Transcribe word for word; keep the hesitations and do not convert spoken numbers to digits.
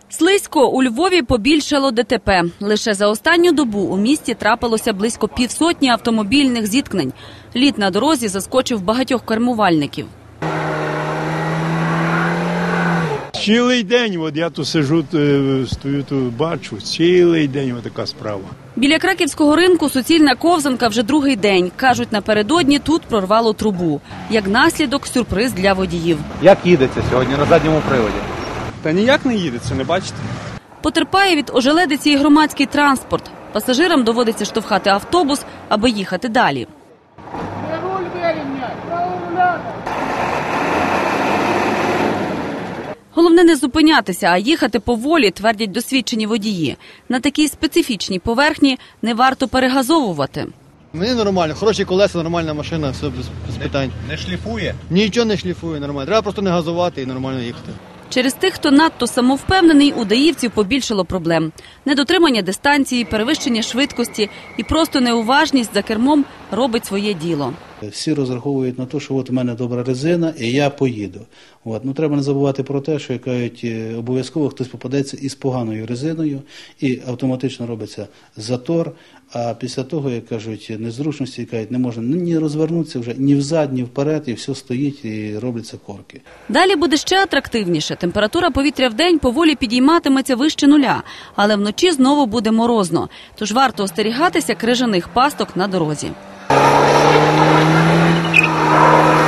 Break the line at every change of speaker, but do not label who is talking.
Слизько. У Львові побільшало ДТП. Лише за останню добу у місті трапилося близько півсотні автомобільних зіткнень. Лід на дорозі заскочив багатьох кермувальників.
Цілий день, от я тут сижу, стою тут, бачу, цілий день от така справа.
Біля краківського ринку суцільна ковзанка вже другий день. Кажуть, напередодні тут прорвало трубу. Як наслідок – сюрприз для водіїв.
Як їдеться сьогодні на задньому приводі?
Та ніяк не їдеться, не бачите?
Потерпає від ожеледиці і громадський транспорт. Пасажирам доводиться штовхати автобус, аби їхати далі. Головне не зупинятися, а їхати поволі, твердять досвідчені водії. На такій специфічній поверхні не варто перегазовувати.
Мені нормально, хороші колеса, нормальна машина, все без, без питань.
Не шліфує?
Нічого не шліфує, нормально. Треба просто не газувати і нормально їхати.
Через тих, хто надто самовпевнений, у даївців побільшало проблем. Недотримання дистанції, перевищення швидкості і просто неуважність за кермом робить своє діло.
Всі розраховують на те, що от у мене добра резина і я поїду. От. Ну, треба не забувати про те, що, як кажуть, обов'язково хтось попадеться із поганою резиною і автоматично робиться затор. А після того, як кажуть, незручності, кажуть, не можна ні розвернутися вже, ні взад, ні вперед, і все стоїть і робляться корки.
Далі буде ще атрактивніше. Температура повітря в день поволі підійматиметься вище нуля, але вночі знову буде морозно. Тож варто остерігатися крижаних пасток на дорозі.